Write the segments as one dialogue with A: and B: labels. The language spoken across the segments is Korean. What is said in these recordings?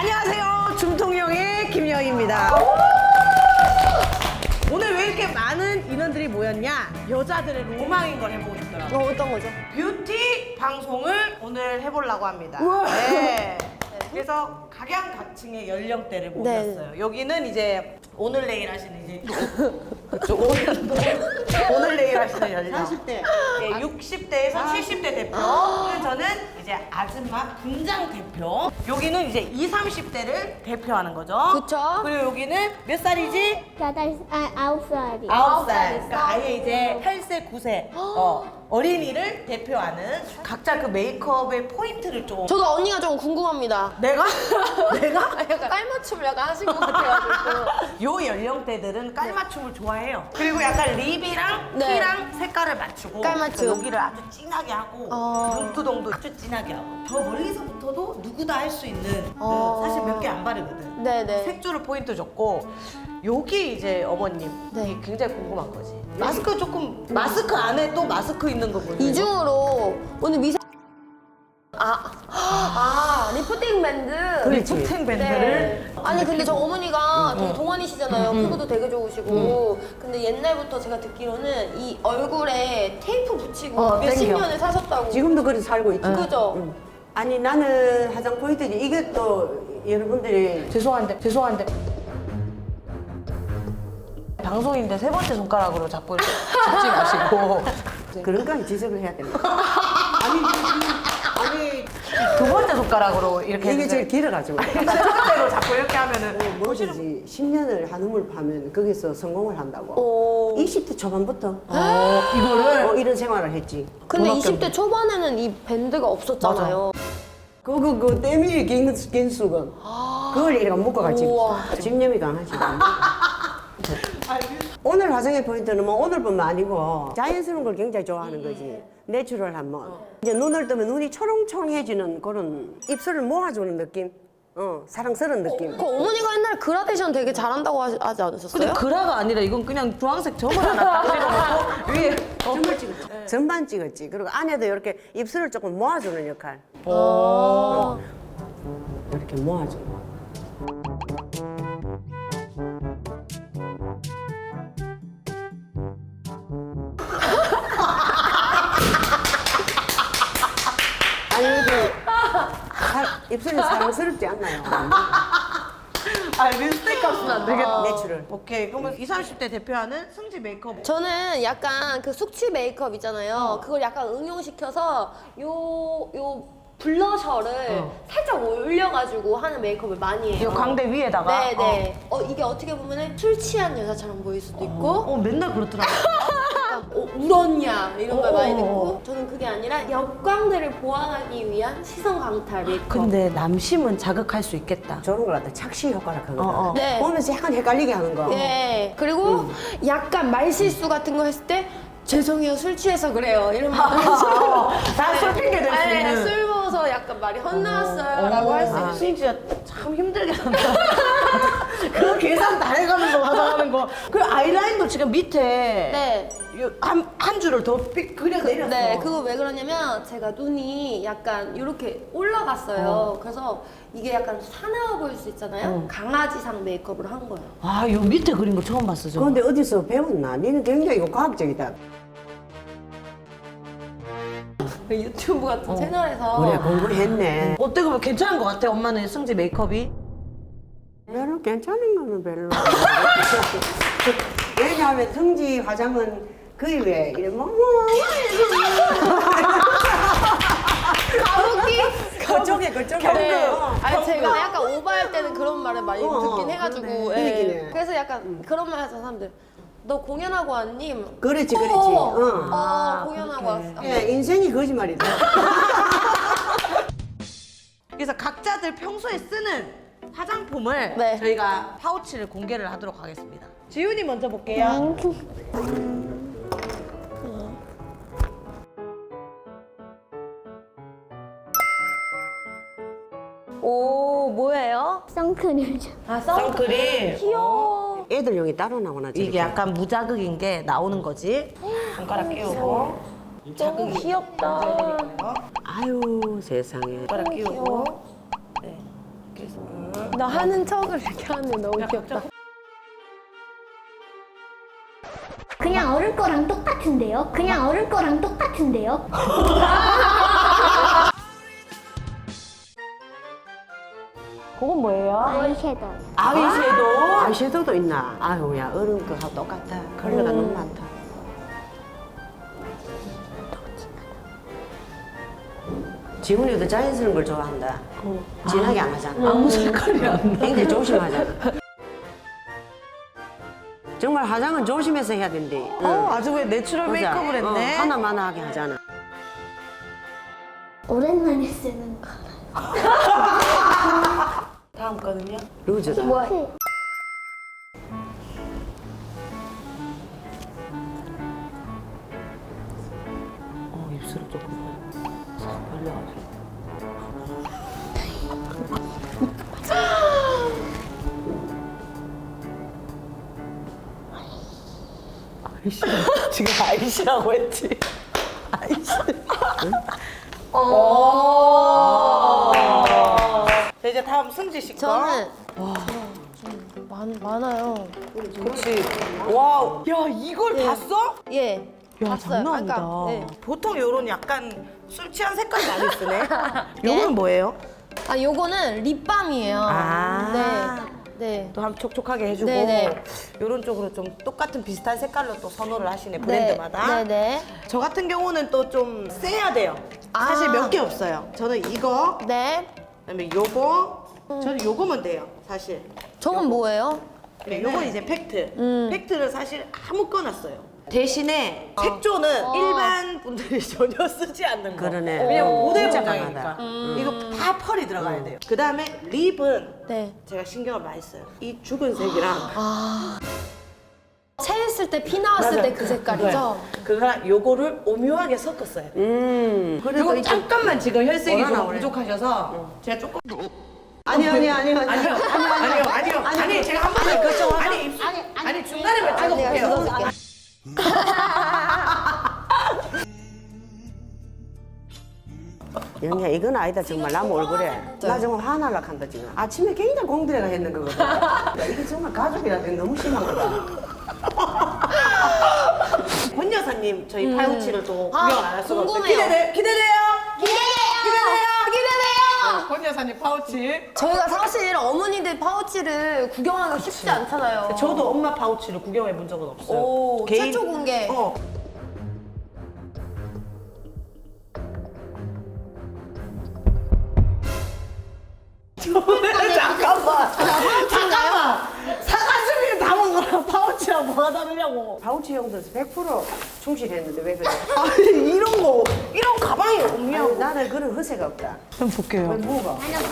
A: 안녕하세요. 줌통령의 김여희입니다. 오늘 왜 이렇게 많은 인원들이 모였냐? 여자들의 로망인 걸 해보고 싶더라고요.
B: 어떤 거죠?
A: 뷰티 방송을 오늘 해보려고 합니다. 네. 그래서 각양각층의 연령대를 모셨어요. 여기는 이제 오늘 내일 하시는 이제 그쪽 오늘 내일 하시는 연령
C: 40대.
A: 네, 60대에서 70대 대표. 그리고 저는 이제 아줌마 분장 대표. 여기는 이제 20, 30대를 대표하는 거죠.
B: 그쵸.
A: 그리고 여기는 몇 살이지?
D: 9살이.
A: 9살. 그러니까 아예 이제 8세, 9세 어린이를 대표하는 각자 그 메이크업의 포인트를 좀.
B: 저도 언니가 좀 궁금합니다.
A: 내가? 내가?
B: 약간 깔맞춤을 약간 하신 것 같아가지고.
A: 요 연령대들은 깔맞춤을 좋아해요. 그리고 약간 립이랑
B: 네.
A: 티랑 색깔을 맞추고
B: 깔맞춤.
A: 여기를 아주 진하게 하고 눈두덩도 아주 진하게 하고 저 멀리서부터도 누구다 할 수 있는 사실 몇 개 안 바르거든.
B: 네네.
A: 색조를 포인트 줬고 여기 이제 어머님
B: 네.
A: 이게 굉장히 궁금한 거지. 마스크 조금 마스크 안에 또 마스크 있는 거 보세요.
B: 이중으로 오늘 미세. 리프팅 밴드.
A: 리프팅 밴드를
B: 네. 아니 근데 저 어머니가 되게 동안이시잖아요. 피부도 되게 좋으시고. 근데 옛날부터 제가 듣기로는 이 얼굴에 테이프 붙이고 몇십
C: 땡겨.
B: 년을 사셨다고.
C: 지금도 그렇게 살고 있지.
B: 그죠?
C: 아니 나는 화장 포인트지. 이게 또 여러분들이
A: 죄송한데 방송인데 세 번째 손가락으로 자꾸 이렇게 잡지 마시고
C: 그런 거 지적을 해야 됩니다. 아니
A: 두 번째 손가락으로 이렇게
C: 이게
A: 해주세요.
C: 제일 길어가지고.
A: 세 번째로 자꾸 이렇게 하면은
C: 뭐든지 10년을 한우물 파면 거기서 성공을 한다고.
B: 오.
C: 20대 초반부터
A: 이거를
C: 이런 생활을 했지.
B: 근데
A: 음악
B: 20대 초반에는 이 밴드가 없었잖아요.
C: 그 때문에 갱수건 그걸 이렇게 묶어가지고
B: 우와.
C: 집념이 강하지. 오늘 화장의 포인트는 뭐 오늘뿐만 아니고 자연스러운 걸 굉장히 좋아하는 거지. 내추럴한 뭐. 이제 눈을 뜨면 눈이 초롱초롱해지는 그런 입술을 모아주는 느낌. 사랑스러운 느낌.
B: 그 어머니가 옛날 그라데이션 되게 잘한다고 하지 않으셨어요?
A: 근데 그라가 아니라 이건 그냥 주황색 점을 하나 딱 찍어놓고 위에
C: 점을 찍었지. 점만 찍었지. 그리고 안에도 이렇게 입술을 조금 모아주는 역할. 이렇게 모아주고. 아니, 입술이 사랑스럽지 않나요?
A: 립스틱 값은 안 되겠다.
C: 내추럴.
A: 오케이 그러면 20, 30대 대표하는 승지 메이크업.
B: 저는 약간 그 숙취 메이크업 있잖아요. 그걸 약간 응용시켜서 요 블러셔를 살짝 올려가지고 하는 메이크업을 많이 해요.
A: 이 광대 위에다가.
B: 네네. 이게 어떻게 보면 술 취한 여자처럼 보일 수도 있고
A: 맨날 그렇더라고.
B: 약간 울었냐 이런 걸 많이 듣고 저는 그게 아니라 역광대를 보완하기 위한 시선 강탈 메이크업.
A: 근데 남심은 자극할 수 있겠다.
C: 저런 걸 갖다 착시 효과라 하거든.
B: 네.
C: 보면서 약간 헷갈리게 하는 거.
B: 네. 그리고 약간 말실수 같은 거 했을 때 죄송해요 술 취해서 그래요 이런 말
A: 다술 핑계 댈 수 있는.
B: 술 먹어서 약간 말이 헛나왔어요 라고 할 수 있는
A: 수인 진짜 참 힘들게 한다. 그런 계산 다 해가면서 화장하는 거. 그리고 아이라인도 지금 밑에
B: 네.
A: 한 줄을 더 그려 내렸어.
B: 네, 그거 왜 그러냐면 제가 눈이 약간 이렇게 올라갔어요. 그래서 이게 약간 사나워 보일 수 있잖아요. 강아지상 메이크업을 한 거예요.
A: 아, 요 밑에 그린 거 처음 봤어, 저.
C: 그런데 어디서 배웠나? 니는 굉장히 이거 과학적이다.
B: 그 유튜브 같은 채널에서
C: 그래, 공부했네.
A: 어때, 그러면 괜찮은 것 같아, 엄마는 승지 메이크업이?
C: 별로 괜찮은 거는 별로. 왜냐하면 성지 화장은 거의 왜 이래
B: 가로기
C: 그쪽에
B: 네.
C: 어.
B: 아니 제가 약간 오버할 때는 그런 말을 많이 듣긴 해가지고
C: 그러네. 그
B: 예.
C: 얘기네.
B: 그래서 약간 그런 말 하잖아 사람들 너 공연하고 왔니?
C: 그렇지.
B: 공연하고 왔어.
C: 예, 인생이 거짓말이다.
A: 그래서 각자들 평소에 쓰는 화장품을
B: 네.
A: 저희가 파우치를 공개를 하도록 하겠습니다. 지훈이 먼저 볼게요.
B: 오 뭐예요?
D: 선크림.
B: 아
A: 선크림.
B: 귀여워.
C: 애들용이 따로 나오나 저렇게.
A: 이게 약간 무자극인 게 나오는 거지. 손가락 끼우고.
B: 너무 귀엽다.
C: 아유 세상에.
A: 손가락 끼우고. 네. 그래서
B: 나 하는 척을 이렇게 하는 게 너무 귀엽다.
D: 그냥 어른 거랑 똑같은데요? 그냥 어른 거랑 똑같은데요?
A: 그건 뭐예요?
D: 아이섀도우.
A: 아이섀도우?
C: 아이섀도우도 있나? 아유야 어른 거하고 똑같아. 컬러가 너무 많다. 지훈이도 자연스러운 걸 좋아한다. 진하게 안 하잖아.
A: 아무 색깔이 안 나.
C: 굉장히 조심하잖아. 정말 화장은 조심해서 해야 된대.
A: 아주 왜 내추럴 메이크업을 했네.
C: 하나만하게 하잖아.
D: 오랜만에 쓰는 거.
A: 다음 거는요?
C: 루즈다.
D: 뭐?
C: 입술을 조금 싹 벌려가지고.
A: 지금 아이시라고 했지. 아이시. 자, 이제 다음 승지 씨 거.
B: 저는 많아요.
A: 그렇지. 와우. 야, 이걸 봤어?
B: 예.
A: 야,
B: 봤어요.
A: 장난 아니다.
B: 네.
A: 보통 요런 약간 술 취한 색깔 많이 쓰네. 요거는 뭐예요?
B: 아, 요거는 립밤이에요.
A: 아.
B: 네. 네.
A: 또 한번 촉촉하게 해주고
B: 네네.
A: 요런 쪽으로 좀 똑같은 비슷한 색깔로 또 선호를 하시네, 브랜드마다.
B: 네네.
A: 저 같은 경우는 또 좀 세야 돼요.
B: 아.
A: 사실 몇 개 없어요. 저는 이거,
B: 네.
A: 그다음에 요거, 저는 요거면 돼요, 사실.
B: 저건 뭐예요?
A: 네, 요건 이제 팩트. 팩트를 사실 아무거나 써요. 대신에
B: 어.
A: 색조는 일반 분들이 전혀 쓰지 않는 거.
C: 그러네.
A: 왜냐면 모델
C: 진짜
A: 분장이니까.
C: 강하다.
A: 이거 다 펄이 들어가야 돼요. 그 다음에 립은
B: 네.
A: 제가 신경을 많이 써요. 이 죽은 색이랑
B: 체했을 때 피 나왔을 때 그 색깔이죠?
A: 그거랑 요거를 오묘하게 섞었어요.
C: 그래도
A: 요거
C: 이제
A: 잠깐만 지금 혈색이
C: 뭐라
A: 좀
C: 나오네.
A: 부족하셔서 제가 조금
C: 아니요.
A: 아니 제가 한 번에 그쪽 아니 중간에만 찍어볼게요.
C: 영희야 이건 아니다 정말 남 얼굴에 나 정말 화날라 한다 지금 아침에 굉장히 공들여가 했는 거거든. 야, 이게 정말 가족이라 너무 심한 거다.
A: 권 여사님 저희 파우치를 또 구경 안 할 수가 없어요.
B: 궁금해요.
A: 기대돼요. 권 여사님 파우치.
B: 저희가 사실 어머니들 파우치를 구경하기가 쉽지 않잖아요.
A: 저도 엄마 파우치를 구경해 본 적은 없어요.
B: 오, 최초 공개.
A: 잠깐만. 사과즙이 다 먹어라. 파우치랑 뭐가 다르냐고.
C: 파우치 용도에서 100% 충실했는데 왜 그래?
A: 아니 이런 가방이 없냐고.
C: 아니, 나는 그런 허세가 없다.
A: 한번 볼게요.
C: 뭐가?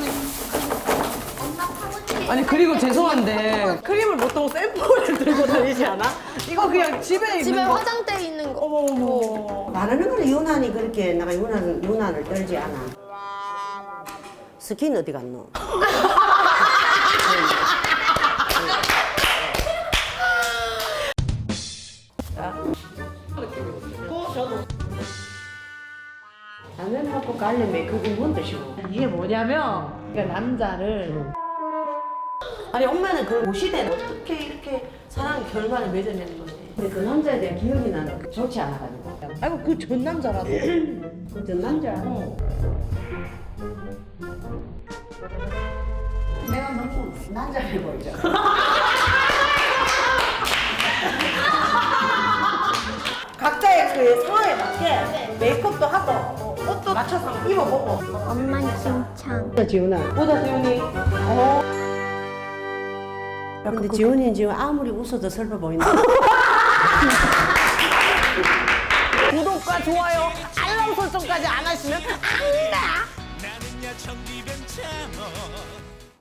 D: 엄마 파우치.
A: 아니 그리고 죄송한데 크림을 보통 샘플을 들고 다니지 않아? 이거 그냥 집에 있는
B: 집에
A: 거.
B: 화장대 있는 거.
A: 어머.
C: 말하는 거는 유난히 그렇게 내가 유난을 떨지 않아. 스킨 어디 갔노?
A: 저도.
C: 라면 먹고 갈래 메이크업이 뭔 뜻이고?
A: 이게 뭐냐면 그러니까 남자를 아니 엄마는 그걸 보시대 어떻게 이렇게 사랑 결말을 맺어내는 건데.
C: 근데 그 남자에 대한 기억이 나는 좋지 않아가지고.
A: 아이고 그 전 남자라도.
C: 그전 남자. 내가 너무 남자해 보이죠?
A: 각자의 그 상황에 맞게 메이크업도 하고 옷도 맞춰서 한번 입어보고.
D: 엄마 칭찬.
C: 지훈아.
A: 보다 지훈이.
C: 근데 지훈이는 지금 아무리 웃어도 슬퍼 보인다.
A: 구독과 좋아요, 알람 설정까지 안 하시면 안 돼.
E: 나는야 천기변 참어